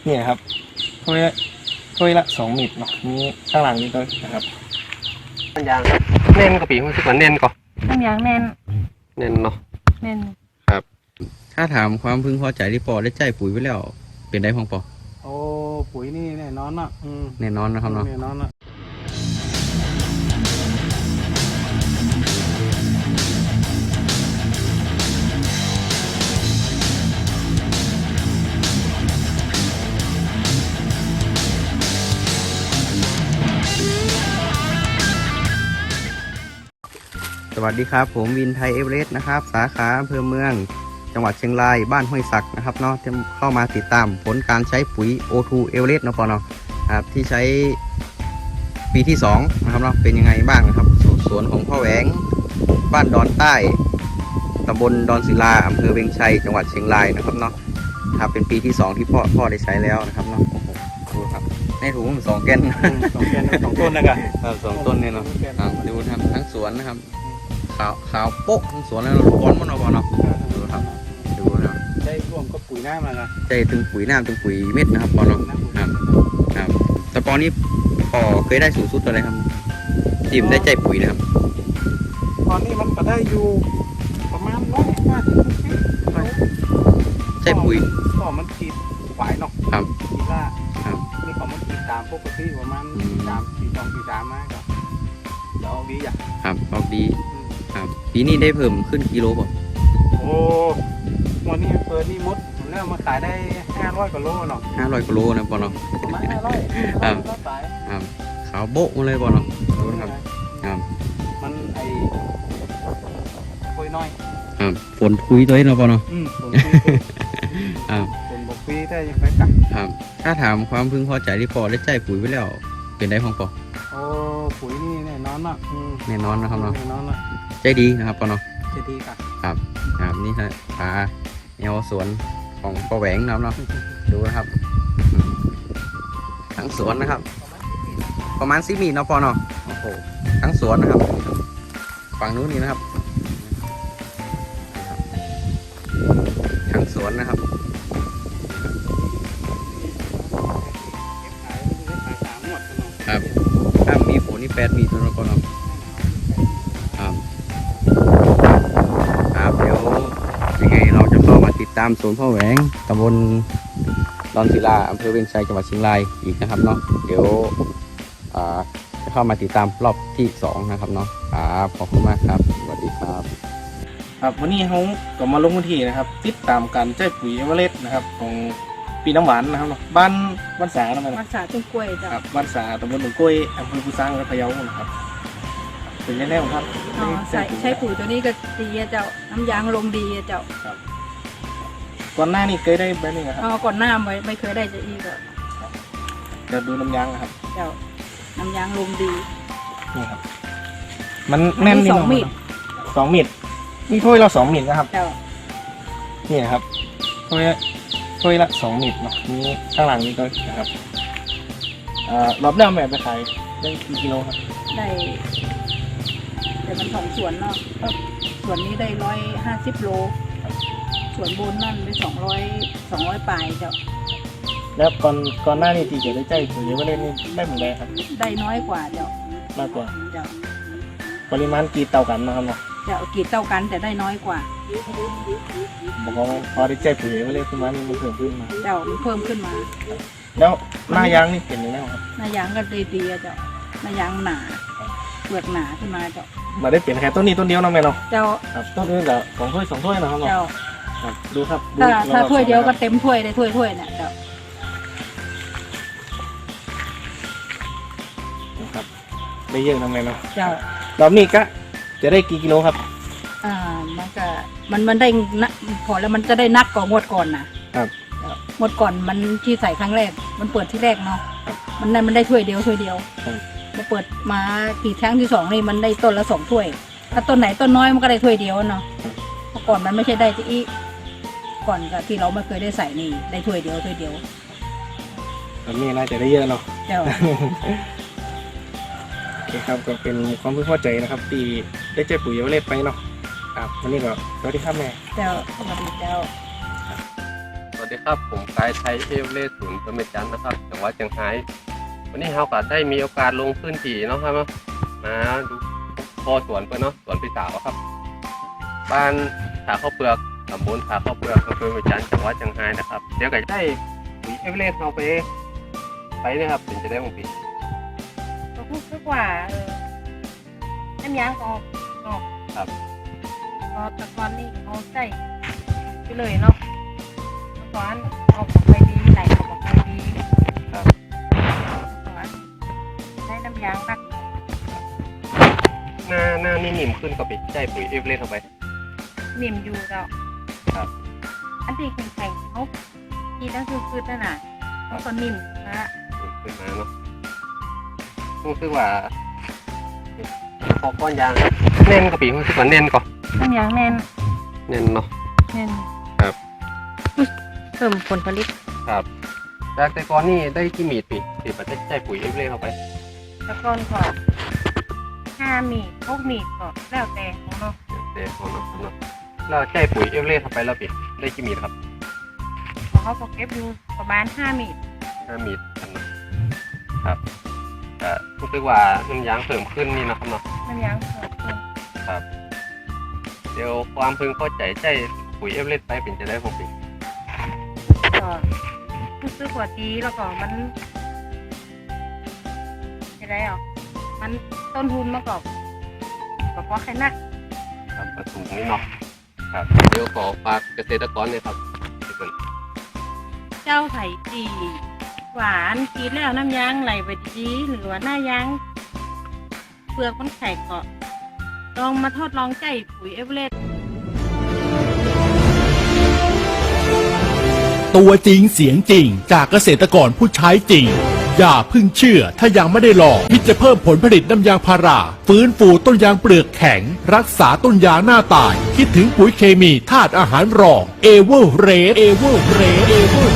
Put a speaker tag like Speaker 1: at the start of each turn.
Speaker 1: เนี่ยครับถ้วยละ2 มิลเนาะนี้ข้างหลังนี้ก็นะครับน้ำยางเน้นกว่าปีรู้สึกว่าเน้นก่อน
Speaker 2: น้ำยางแน่น
Speaker 1: เน้นเนาะ
Speaker 2: แน่น
Speaker 3: ถ้าถามความพึงพอใจที่ปอได้ใจปุ๋ยไว้แล้วเป็นได้ของปอ
Speaker 4: โอ้ปุ๋ยนี่แน่นอนเนาะ
Speaker 3: แน่นอนนะครับเนาะ
Speaker 4: แน่นอนเนาะ
Speaker 3: สวัสดีครับผมวินไทยเอเวอเรสต์นะครับสาขาอำเภอเมืองจังหวัดเชียงรายบ้านห้วยศักนะครับเนาะที่เข้ามาติดตามผลการใช้ปุ๋ย O2 เอเวอเรสต์เนาะปอเนาะครับที่ใช้ปีที่2นะครับเนาะเป็นยังไงบ้างนะครับสวนของพ่อแหวงบ้านดอนใต้ตำบลดอนศิลาอำเภอเวียงชัยจังหวัดเชียงรายนะครับเนาะครับเป็นปีที่2ที่พ่อได้ใช้แล้วนะครับเนาะโอ้โหดูครับในถุง2 แกน
Speaker 4: 2 แกน2 ต้นนะครับ
Speaker 3: ครับ2 ต้นเนี่ยเนาะครับดูครับทั้งสวนนะครับขาวโป๊ะทั้งสวนแล้วร้อนมันเอาบอลเนาะดูครับดูนะ
Speaker 4: ได้ร่วมกับปุ๋ยหน้ามาละ
Speaker 3: ใจถึงปุ๋ยน้ำถึงปุ๋ยเม็ดนะครับปอเนาะครับแต่ปอนี้พอเคยได้สูงสุดอะไรครับทีมได้ใจปุ๋ยนะครับ
Speaker 4: ตอนนี้มันก็ได้อยู่ประมาณ150
Speaker 3: ใจปุ๋ย
Speaker 4: ก็มันขีดหวายเนาะ
Speaker 3: ครับ
Speaker 4: ขีดละ
Speaker 3: ครับ
Speaker 4: นี่ก็มันขีดตามปกติประมาณ3 4 2 4 3มาก็เดี๋ยวเอาดีอ่ะ
Speaker 3: ครับออกดีครับปีนี้ได้เพิ่มขึ้นกิโลป่ะ
Speaker 4: โอ้วันนี้เปิดนี่มดผมเริ่มมาขายได้500 กว่าโลเนาะ
Speaker 3: 500กิโลนะปอเนาะ
Speaker 4: ประมาณ500
Speaker 3: ครับ
Speaker 4: ก็ขาย
Speaker 3: ครับขาวโบ๊ะมาเลยปอเนาะดูนะครับครับ
Speaker 4: มันไอ้คุยน้อย
Speaker 3: ครับฝนคุยตัวเองเนาะปอเนาะ
Speaker 4: ผม
Speaker 3: ครับ
Speaker 4: ผมบอกปีได้ยังไปกัก
Speaker 3: ครับถ้าถามความพึงพอใจที่ปอได้ใจปุ๋ยไว้แล้วเป็นได้ของปอ
Speaker 4: โอ้ปุ๋ยนี่แน่นอนเนาะ
Speaker 3: แน่นอนนะครับเนาะ
Speaker 4: แน่นอนเนาะ
Speaker 3: ใจดีนะครับปอเนาะ
Speaker 4: จะดีกัก
Speaker 3: ครับนี่ฮะผาแนวสวนของปอแหวงนะครับเนาะดูนะครับทั้งสวนนะครับ ประมาณ10 มีเนาะปอเนาะโอ้โหทั้งสวนนะครับฝั่งนู้นนี่นะครับทั้งสวนนะครับ
Speaker 4: ขาย3 หมดเนาะ
Speaker 3: ครับถ้ามีฝนนี่8 มีตัวเนาะปอเนาะครับครับเดี๋ยวยังไงเราจะเข้ามาติดตามสวนพ่อแหวงตำบลดอนศิลาอำเภอเวียงชัยจังหวัดเชียงรายอีกนะครับเนาะเดี๋ยวจะเข้ามาติดตามรอบที่2นะครับเนาะครับขอบคุณมากครับสวัสดีครับ
Speaker 1: ครับวันนี้เขาก็มาลงพื้นที่นะครับ ติดตามการใช้ปุ๋ยเอเวอเรสต์นะครับของปีน้ำหวานนะครับเนาะบ้านสาทำไม
Speaker 2: รักษาต้นกล้วยจ้ะ
Speaker 1: ครับบ้านสาตำบลหนองกล้วยอำเภอภูซางจังหวัดพะเยานะครับเป็นยังไงบ้างครับ
Speaker 2: อ๋อใช้ปุ๋ยตัวนี้ก็ดีอะเจ้าน้ำยางลมดีอะเจ้า
Speaker 1: ก่อนหน้านี้เคยได้แบบนี้นะครับ
Speaker 2: ก่อนหน้าไม่เคยได้จะอีกอะ
Speaker 1: เดี๋ยวดูน้ำยางนะครับ
Speaker 2: เจ้าน้ำยางลมดี
Speaker 1: นี่ครับมันแน่น
Speaker 2: อันนี้
Speaker 1: นี่
Speaker 2: 2 มิล
Speaker 1: 2 มิลนี่ถ้วยละ2 มิลนะครับ
Speaker 2: เจ้า
Speaker 1: นี่นะครับถ้วยละ2 มิลเนาะนี้ข้างหลังนี้ก็นะครับรอบแรกแบบไปขายได้กี่กิโลครับ
Speaker 2: ได้แต่มัน2 ส่วนเนาะส่วนนี้ได้150 โลส่วนบนนั่นได้200ปลายเจ้า
Speaker 1: แล้วก่อนหน้านี้ที่จะได้ใจปุ๋ยเอเวอเรสต์นี่ได้เหมือนไรครับ
Speaker 2: ได้น้อยกว่าเจ้าม
Speaker 1: ากกว่า
Speaker 2: เจ้า
Speaker 1: ปริมาณกี่เต่ากันนะครับเนาะ
Speaker 2: เจ้ากรีดเท่ากันแต่ได้น้อยกว่า
Speaker 1: บอกว่าพอได้ใจปุ๋ยเอเวอเรสต์ขึ้นมานี่มันเพิ่มขึ้นมา
Speaker 2: เจ้ามันเพิ่มขึ้นมา
Speaker 1: แล้วหน้ายางนี่เป็นยังไงครับ
Speaker 2: หน้ายางก็ดีๆอะเจ้าหน้ายางหนาเปลือกหนาขึ้นมาเจ้า
Speaker 1: มาได้เปลี่ยนแค่ต้นนี้ต้นเดียวนะแม่เนาะ
Speaker 2: เจ้า
Speaker 1: ครับต้นอื่นก็2 ถ้วยนะครับเนาะ
Speaker 2: เจ้า
Speaker 1: ครับดูครับดู
Speaker 2: ถ้าถ้าถ้วยเดียวก็
Speaker 1: นะครับ
Speaker 2: เต็มถ้วยได้ถ้วยเนี่ยเจ้า
Speaker 1: ครับได้เยอะนะแม่เนาะ
Speaker 2: เจ้าร
Speaker 1: อบนี้ก็จะได้กี่กิโลครับ
Speaker 2: มันก็มันได้นะพอแล้วมันจะได้นักกว่างวดก่อนนะครับ งวดก่อนมันที่ใส่ครั้งแรกมันเปิดที่แรกเนาะมันได้ถ้วยเดียวมาเปิดมากี่ครั้งที่2นี่มันได้ต้นละ2 ถ้วย ถ้าต้นไหนต้นน้อยมันก็ได้ถ้วยเดียวเนาะเมื่อก่อนมันไม่ใช่ได้ที่อีก่อนกับที่เราไม่เคยได้ใส่นี่ได้ถ้วยเดียว
Speaker 1: รอบนี้น่าจะได้เยอะเนาะ
Speaker 2: เจ้า
Speaker 1: โอเคครับก็เป็นความพึงพอใจนะครับที่ได้ใจปุ๋ยเอเวอเรสต์ไปเนาะครับวันนี้ก็สวัสดีครับแม่
Speaker 2: เจ้าสวัสดีเจ้า
Speaker 5: สวัสดีครับผมกายชัยเอเวอเรสต์อำเภอเมจันทร์นะครับจังหวัดเชียงรายวันนี้เราก็ได้มีโอกาสลงพื้นที่เนาะครับมาดูพอสวนเพื่อนเนาะสวนพี่สาวครับบ้านขาข้าวเปลือกตำบลขาข้าวเปลือกอำเภอเมจันทร์จังหวัดเชียงรายนะครับเดี๋ยวก็ได้ปุ๋ยเอเวอเรสต์เราไปนะครับเป็นจะได้ของพี่
Speaker 2: ก็พูดคือว่าน้ำยางออก
Speaker 5: ครับ
Speaker 2: พอตะกอนนี่เอาใส่ไปเลยเนาะตะกอนออกไปดีไหลออกไปดี
Speaker 5: ครับ
Speaker 2: ตะกอนได้น้ำยางนัก
Speaker 5: หน้านี่นิ่มขึ้นก็ไปได้ปุ๋ยเอเวอเรสต์เข้าไป
Speaker 2: นิ่มอยู่แล้ว
Speaker 5: ครับ
Speaker 2: อันที่แข็งๆเขาทีนั่นคือนั่นน่ะเขาก็นิ่มนะ
Speaker 5: ขึ้นมาเนาะรู้สึกว่าพอก้อนยางแน่นกว่าปีรู้สึกว่าแน่นก่อน
Speaker 2: น้ำยางแน่น
Speaker 5: แน่นเนาะ
Speaker 2: แน่น
Speaker 5: ครับ
Speaker 2: เพิ่มผลผลิต
Speaker 5: ครับจากแต่ก่อนนี่ได้กี่มีดปีประเทศใจปุ๋ยเอเวอเรสต์เข้าไป
Speaker 2: ตะกอนก็5 มีด6 มีดก็แล้วแต่ของเนาะ
Speaker 5: เดี๋ยวของเนาะแล้วใจปุ๋ยเอเวอเรสต์เข้าไปแล้วปีได้กี่มีดครับ
Speaker 2: ของเขาก็เก็บอยู่ประมาณ5 มีด
Speaker 5: 5 มีดกันเนาะครับรู้สึกว่าน้ำยางเพิ่มขึ้นนี่นะครับเนาะ
Speaker 2: น้ำยางเพิ่มขึ้น
Speaker 5: ครับ เดี๋ยวความพึงพอใจใจปุ๋ยเอเวอเรสต์ไปเป็นจะได้ของปี
Speaker 2: ก็รู้สึกว่าดีแล้วก็มันอะไรอ่ะมันต้นทุนมาก่อนก็เพราะแค่นัก
Speaker 5: ครับกระถุงนี่เนาะครับเดี๋ยวขอฝากเกษตรกรเนี่ยครับที่เป็น
Speaker 2: เจ้าไผ่จีหวานกินแล้วน้ำยางไหลไปดีหรือว่าหน้ายางเปลือกมันแข็งก็ลองมาทดลองใจปุ๋ยเอเวอเรสต์
Speaker 6: ตัวจริงเสียงจริงจากเกษตรกรผู้ใช้จริง อย่าเพิ่งเชื่อถ้ายังไม่ได้ลองคิดจะเพิ่มผลผลิตน้ำยางพาราฟื้นฟูต้นยางเปลือกแข็ง รักษาต้นยางหน้าตาย คิดถึงปุ๋ยเคมีธาตุอาหารรองเอเวอร์เรส